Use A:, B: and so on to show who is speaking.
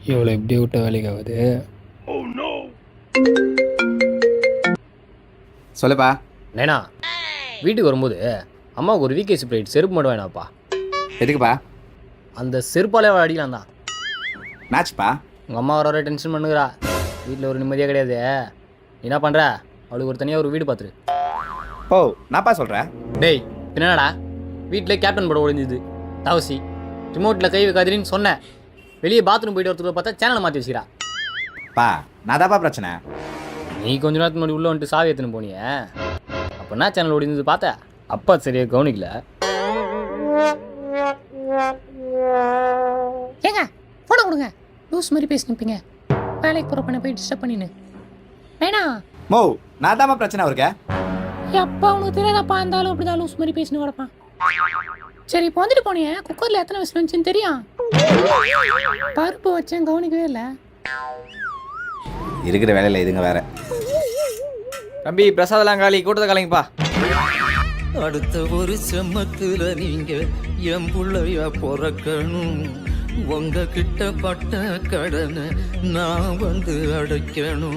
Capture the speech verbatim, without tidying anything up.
A: இவ்வளோ எப்படி விட்ட வேலைக்கு ஆகுது.
B: சொல்லுப்பா.
C: நேனா வீட்டுக்கு வரும்போது அம்மாவுக்கு ஒரு விகே ஸ்ப்ரைட் செருப்பு மட்டும் வேணாப்பா.
B: எதுக்குப்பா?
C: அந்த செருப்பாலே அவள் அடிக்கலாம் தான்.
B: மேட்ச்ப்பா.
C: உங்கள் அம்மா வர வர டென்ஷன் பண்ணுகிறா. வீட்டில் ஒரு நிம்மதியாக கிடையாது. நீ என்ன பண்ணுற? அவளுக்கு ஒரு தனியாக ஒரு வீடு பார்த்துரு.
B: ஓ நான்ப்பா சொல்கிறேன்.
C: டேய் என்னடா வீட்டில் கேப்டன் படம் ஒழிஞ்சுது தவசி ரிமோட்டில் கை வைக்காதீன்னு சொன்னேன். வெளியே பாத்ரூம் போயிட்டு வரத்துக்குள்ள பார்த்தா சேனலை மாற்றி வச்சுக்கிறா.
B: பா நான் தான்ப்பா பிரச்சனை.
C: நீ கொஞ்ச நேரத்துக்கு முன்னாடி உள்ளே வந்துட்டு சாவி எடுத்துன்னு போனிய. அப்போ என்ன சேனல் ஒடிஞ்சது பார்த்த? அப்பா சரியாக கவனிக்கல.
D: ஏங்க ஃபோனை கொடுங்க. லூஸ் மாதிரி பேசினிப்பீங்க. வேலைக்கு போகிற பண்ண போய் டிஸ்டர்ப் பண்ணின்னு வேணா.
B: மோ நான் தான்ப்பா பிரச்சனை அவருக்கு.
D: எப்பா உனக்கு தெரியாதப்பா இருந்தாலும் அப்படி தான் லூஸ் மாதிரி பேசினு கிடப்பான். சரி இப்போ வந்துட்டு போனியே குக்கரில் எத்தனை விசில் வந்துச்சுன்னு தெரியும்? பருப்பு வச்சேன் கவனிக்கவே இல்லை.
B: இருக்கிற வேலையில் இதுங்க வேற.
E: தம்பி பிரசாதெல்லாம் காலி, கூட்டத்தை காலிங்கப்பா.
F: அடுத்த ஒரு செம்மத்துல நீங்க என் புள்ளையா பிறக்கணும். உங்க கிட்ட பட்ட கடனை நான் வந்து அடைக்கணும்.